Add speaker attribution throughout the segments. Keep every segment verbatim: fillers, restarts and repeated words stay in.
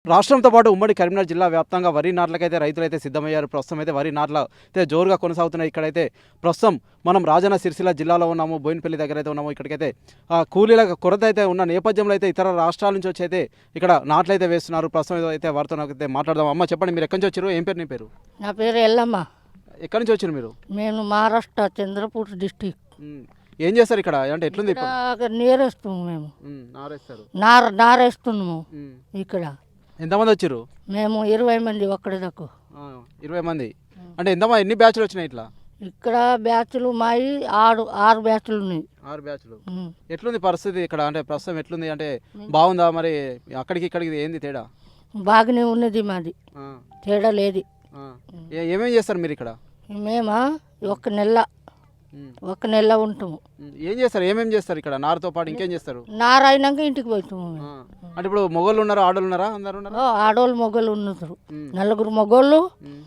Speaker 1: రాష్ట్రంతో పాటు ఉమ్మడి కరీంనగర్ జిల్లా వ్యాప్తంగా వరి నాట్లకైతే రైతులైతే సిద్ధమయ్యారు. ప్రస్తుతం అయితే వరి నాట్ల అయితే జోరుగా కొనసాగుతున్నాయి. ఇక్కడైతే ప్రస్తుతం మనం రాజన్న సిరిసిల్ల జిల్లాలో ఉన్నాము, బోయినపల్లి దగ్గర అయితే ఉన్నాము. ఇక్కడికైతే కూలీల కొరత అయితే ఉన్న నేపథ్యంలో అయితే ఇతర రాష్ట్రాల నుంచి వచ్చి అయితే ఇక్కడ నాట్లయితే వేస్తున్నారు. ప్రస్తుతం అయితే వారితో అయితే మాట్లాడదాం. అమ్మ చెప్పండి, మీరు ఎక్కడి నుంచి వచ్చారు? ఏం పేరు నీ పేరు?
Speaker 2: నా పేరు ఎల్లమ్మ.
Speaker 1: ఎక్కడి నుంచి వచ్చారు మీరు?
Speaker 2: నేను మహారాష్ట్ర చంద్రపూర్ డిస్టిక్.
Speaker 1: ఏం చేస్తారు ఇక్కడ? అంటే ఎట్లుంది?
Speaker 2: నీరేస్తాము మేము,
Speaker 1: నారేస్తారు,
Speaker 2: నార నారేస్తున్నాము ఇక్కడ.
Speaker 1: ఎంతమంది వచ్చారు?
Speaker 2: మేము ఇరవై మంది ఒక్కడి దాకా.
Speaker 1: ఇరవై మంది అంటే ఎంతమంది, ఎన్ని బ్యాచ్లు వచ్చినాయి ఇట్లా?
Speaker 2: ఇక్కడ బ్యాచ్లు మాయి ఆరు ఆరు బ్యాచ్లు ఉన్నాయి.
Speaker 1: ఆరు బ్యాచ్లు. ఎట్లుంది పరిస్థితి ఇక్కడ? అంటే ప్రస్తుతం ఎట్లుంది? అంటే బాగుందా? మరి అక్కడికి ఇక్కడికి ఏంది తేడా?
Speaker 2: బాగానే ఉన్నది, మాది తేడా లేదు.
Speaker 1: ఏమేమి చేస్తారు మీరు ఇక్కడ?
Speaker 2: మేమా ఒక నెల ఒక నెల ఉంటాము.
Speaker 1: ఏం చేస్తారు? ఏమేమి చేస్తారు ఇక్కడ? నారుతో పాటు ఇంకేం చేస్తారు?
Speaker 2: నార అయినాక ఇంటికి పోతాము.
Speaker 1: అంటే ఇప్పుడు మొగోళ్ళు ఉన్నారా, ఆడోళ్ళు ఉన్నారా? అందరు ఉన్నారా?
Speaker 2: ఆడోళ్ళు మొగోళ్ళు ఉన్నారు, నలుగురు మొగోళ్ళు,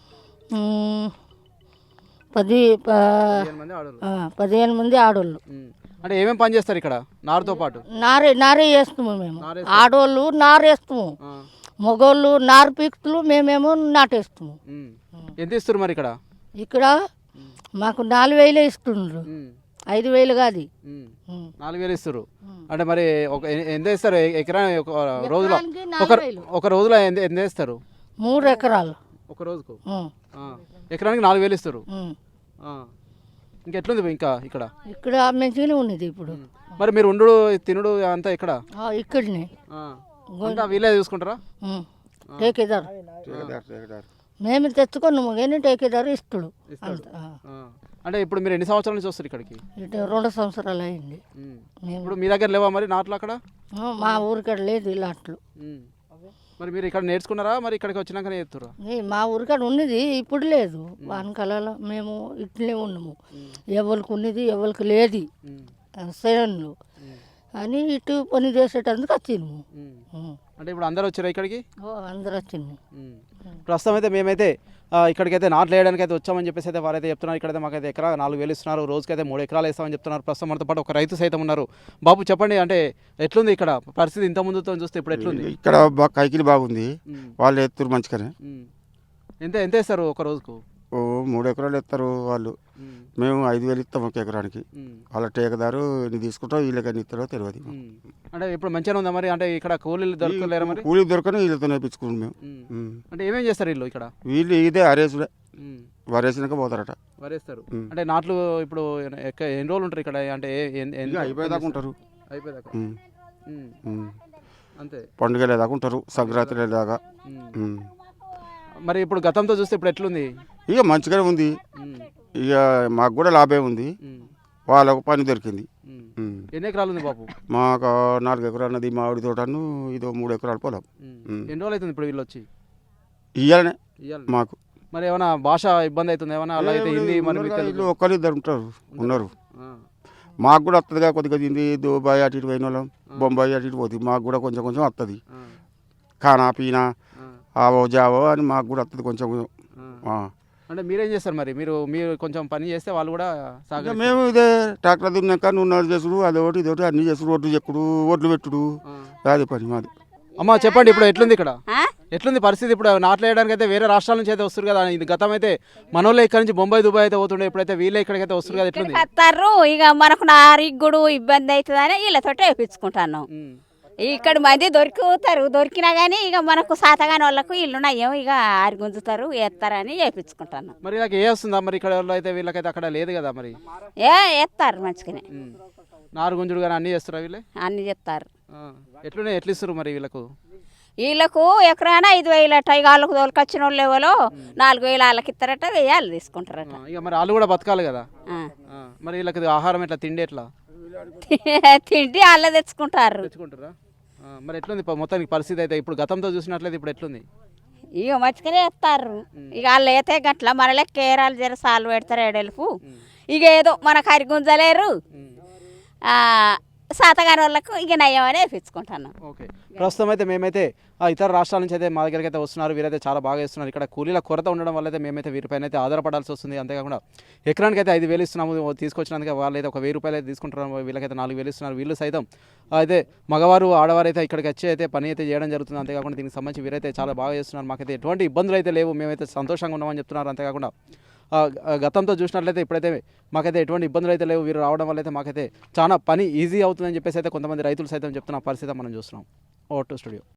Speaker 2: పది పదిహేను మంది ఆడోళ్ళు.
Speaker 1: అంటే ఏమేమి పని చేస్తారు ఇక్కడ నారుతో పాటు?
Speaker 2: నారే నారే వేస్తాము మేము. ఆడోళ్ళు నారేస్తాము, మొగోళ్ళు నారు పీకుతులు, మేమేమో నాటేస్తాము.
Speaker 1: ఎంత ఇస్తారు మరి ఇక్కడ?
Speaker 2: ఇక్కడ మాకు నాలుగు వేలే ఇస్తుండ్రు, ఐదు వేలు కాదు,
Speaker 1: నాలుగు వేలు ఇస్తారు. అంటే మరి ఒక ఎంత ఇస్తారు ఎకరా? ఒక రోజులో ఒక ఒక రోజులో ఎంత ఎంత ఇస్తారు?
Speaker 2: మూడు ఎకరాలు
Speaker 1: ఒక రోజుకు. ఎకరానికి నాలుగు వేలు ఇస్తారు. ఇంకెట్లుంది ఇంకా ఇక్కడ?
Speaker 2: ఇక్కడ మంచిగానే ఉన్నది ఇప్పుడు.
Speaker 1: మరి మీరు ఉండు తినుడు అంతా ఇక్కడ
Speaker 2: ఇక్కడనే
Speaker 1: వీళ్ళే చూసుకుంటారా?
Speaker 2: టేకేదారు మేము తెచ్చుకున్నాము, కానీ టేకేదారు ఇస్తుడు.
Speaker 1: అంటే ఇప్పుడు మీరు ఎన్ని సంవత్సరాల నుంచి వస్తారు ఇక్కడికి?
Speaker 2: రెండు సంవత్సరాలు అయింది.
Speaker 1: ఇప్పుడు మీ దగ్గర లేవా మరి నాట్లు అక్కడ?
Speaker 2: మా ఊరికాడ లేదు ఇలాట్లు.
Speaker 1: మరి మీరు ఇక్కడ నేర్చుకున్నారా? మరి ఇక్కడికి వచ్చినాక నేర్చురా?
Speaker 2: మా ఊరికాడ ఉన్నది, ఇప్పుడు లేదు. వానకాలలో మేము ఇట్లే ఉన్నాము, ఎవరికి ఉన్నది ఎవరికి లేదు సేన్లు అని ఇటు పని చేసేటందుకు వచ్చింది.
Speaker 1: అంటే ఇప్పుడు అందరు వచ్చారా ఇక్కడికి?
Speaker 2: అందరు వచ్చింది.
Speaker 1: ప్రస్తుతం అయితే మేమైతే ఇక్కడికైతే నాట్లు వేయడానికి అయితే వచ్చామని చెప్పేసి అయితే వారైతే చెప్తున్నారు. ఇక్కడైతే మాకైతే ఎకరా నాలుగు వేలు ఇస్తున్నారు, రోజుకైతే మూడు ఎకరాలు వేస్తామని చెప్తున్నారు. ప్రస్తుతం మనతో పాటు ఒక రైతు సైతం ఉన్నారు. బాబు చెప్పండి, అంటే ఎట్లుంది ఇక్కడ పరిస్థితి? ఇంత ముందుతో చూస్తే ఇప్పుడు ఎట్లుంది?
Speaker 3: ఇక్కడ బాగా కైకిలి బాగుంది, వాళ్ళు ఎత్తురు మంచిగానే.
Speaker 1: ఎంత ఎంత వేస్తారు ఒక రోజుకు?
Speaker 3: ఓ మూడు ఎకరాలు ఎత్తారు వాళ్ళు, మేము ఐదు వేలు ఇస్తాం ఒక ఎకరానికి. వాళ్ళ టేకదారు ఎన్ని తీసుకుంటారో వీళ్ళకి ఎన్ని ఇస్తారో తెలియదు.
Speaker 1: అంటే ఇప్పుడు మంచిగా ఉందా మరి? అంటే ఇక్కడ కూలీలు దొరకలేరా మరి?
Speaker 3: కూలీలు దొరకని వీళ్ళతో నేర్పించుకున్నాం మేము.
Speaker 1: అంటే ఏమేం చేస్తారు వీళ్ళు ఇక్కడ?
Speaker 3: వీళ్ళు ఇదే అరేసుడే, వరేసినాక పోతారట.
Speaker 1: వరేస్తారు. అంటే నాట్లు ఇప్పుడు ఎన్ని రోజులు ఉంటారు ఇక్కడ? అంటే
Speaker 3: అయిపోయేదాకా ఉంటారు,
Speaker 1: అయిపోయేదాకా అంతే.
Speaker 3: పండుగ దాకా ఉంటారు, సంక్రాంతి దాకా.
Speaker 1: మరి ఇప్పుడు గతంతో చూస్తే ఇప్పుడు ఎట్లుంది?
Speaker 3: ఇక మంచిగానే ఉంది. ఇక మాకు కూడా లాభే ఉంది, వాళ్ళకు పని దొరికింది.
Speaker 1: ఎన్ని ఎకరాలు ఉంది బాబు?
Speaker 3: మాకు నాలుగు ఎకరాలు ఉన్నది మామిడి తోటను, ఇదో మూడు ఎకరాలు పొలం.
Speaker 1: ఎన్ని రోజులు అవుతుంది ఇప్పుడు వీళ్ళు వచ్చి?
Speaker 3: ఇయ్యాలనే మాకు.
Speaker 1: మరి ఏమైనా భాష ఇబ్బంది అవుతుంది ఏమన్నా? అలా అయితే హిందీ మరి
Speaker 3: ఒక్కరు ఇద్దరు ఉంటారు ఉన్నారు. మాకు కూడా వస్తుందిగా కొద్దిగా హిందీ. దుబాయ్ అటు ఇటు పోయిన వాళ్ళం, బొంబాయి అటు ఇటు పోతుంది, మాకు కూడా కొంచెం కొంచెం వస్తుంది. ఖానా పీనా ఆవో జావో అని మాకు కూడా వస్తుంది కొంచెం.
Speaker 1: అంటే మీరేం చేస్తారు మరి? మీరు మీరు కొంచెం పని చేస్తే వాళ్ళు కూడా సాగు.
Speaker 3: మేము ఇదే ట్రాక్టర్ దున్నాక నూనె చేసుడు, అదొకటి ఇదొకటి అన్ని చేసుడు, ఒడ్లు చెక్కుడు, ఒడ్లు పెట్టుడు, అదే పని మాది.
Speaker 1: అమ్మ చెప్పండి, ఇప్పుడు ఎట్లుంది ఇక్కడ? ఎట్లుంది పరిస్థితి? ఇప్పుడు నాట్లు వేయడానికి అయితే వేరే రాష్ట్రాల నుంచి అయితే వస్తారు కదా. ఇది గతం అయితే మనోళ్ళే ఇక్కడ నుంచి బొంబాయి దుబాయ్ అయితే పోతుండే, ఇప్పుడైతే వీళ్ళే ఇక్కడికైతే వస్తారు కదా. ఎట్లుంది?
Speaker 4: వస్తారు ఇక మనకు నారిగ్గుడు ఇబ్బంది అవుతుందని వీళ్ళతో వేయించుకుంటాను. ఇక్కడ మంది దొరికితారు, దొరికినా కానీ ఇక మనకు సాతగాని వాళ్ళకు ఇల్లు నయ్యం, ఇక ఆరి గుంజుతారు వేస్తారని వేయించుకుంటాను.
Speaker 1: మరి ఇలాగ ఏ వస్తుందా మరి? ఇక్కడ అయితే వీళ్ళకైతే అక్కడ లేదు కదా మరి.
Speaker 4: ఏ వేస్తారు మంచిగానే,
Speaker 1: నారు గుంజుడు కానీ అన్ని చేస్తారా వీళ్ళే?
Speaker 4: అన్ని చేస్తారు.
Speaker 1: ఎట్లున్నాయి, ఎట్లు ఇస్తారు మరి వీళ్ళకు?
Speaker 4: వీళ్ళకు ఎకరానా ఐదు వేలు అట్ట, ఇక వాళ్ళకు దొరికొచ్చిన వాళ్ళు ఎవరో నాలుగు వేలు వాళ్ళకి ఇస్తారట, వేయాలి తీసుకుంటారట.
Speaker 1: ఇక మరి వాళ్ళు కూడా బతకాలి కదా. మరి వీళ్ళకి ఆహారం ఎట్లా, తిండి ఎట్లా?
Speaker 4: తిండి వాళ్ళే తెచ్చుకుంటారు.
Speaker 1: తెచ్చుకుంటారా? మరి ఎట్లుంది మొత్తానికి పరిస్థితి అయితే? ఇప్పుడు గతంతో చూసినట్లయితే ఇప్పుడు ఎట్లుంది?
Speaker 4: ఇక మంచిగానే వేస్తారు. ఇక వాళ్ళు అయితే గట్ల మన లెక్క ఏరాలు జర సాలు పెడతారు ఏడెలుపు. ఇక ఏదో మన కరి గుంజలేరు, శాతగాని వాళ్ళకు ఇక నయం అని వేయించుకుంటున్నాం.
Speaker 1: ఓకే, ప్రస్తుతం అయితే మేమైతే ఆ ఇతర రాష్ట్రాల నుంచి అయితే మా దగ్గరికి అయితే వస్తున్నారు. వీరైతే చాలా బాగా చేస్తున్నారు. ఇక్కడ కూలీల కొరత ఉండడం వల్ల అయితే మేమైతే వీరిపైన అయితే ఆధారపడాల్సి వస్తుంది. అంతేకాకుండా ఎకరానికి అయితే ఐదు వేలు ఇస్తున్నాము తీసుకొచ్చినందుకు, వాళ్ళు అయితే ఒక వెయ్యి రూపాయలు అయితే తీసుకుంటున్నారు. వీళ్ళకైతే నాలుగు వేలు ఇస్తున్నారు. వీళ్ళు సైతం అయితే మగవారు ఆడవారు అయితే ఇక్కడికి వచ్చి అయితే పని అయితే చేయడం జరుగుతుంది. అంతేకాకుండా దీనికి సంబంధించి వీరైతే చాలా బాగా చేస్తున్నారు. మాకైతే ఎటువంటి ఇబ్బందులు అయితే లేవు, మేమైతే సంతోషంగా ఉన్నామని చెప్తున్నారు. అంతేకాకుండా గతంతో చూసినట్లయితే ఇప్పుడైతే మాకైతే ఎటువంటి ఇబ్బందులు అయితే లేవు. వీరు రావడం వల్ల అయితే మాకైతే చాలా పని ఈజీ అవుతుందని చెప్పేసి అయితే కొంతమంది రైతులు సైతం చెప్తున్న పరిస్థితి మనం చూస్తున్నాం. Over to studio.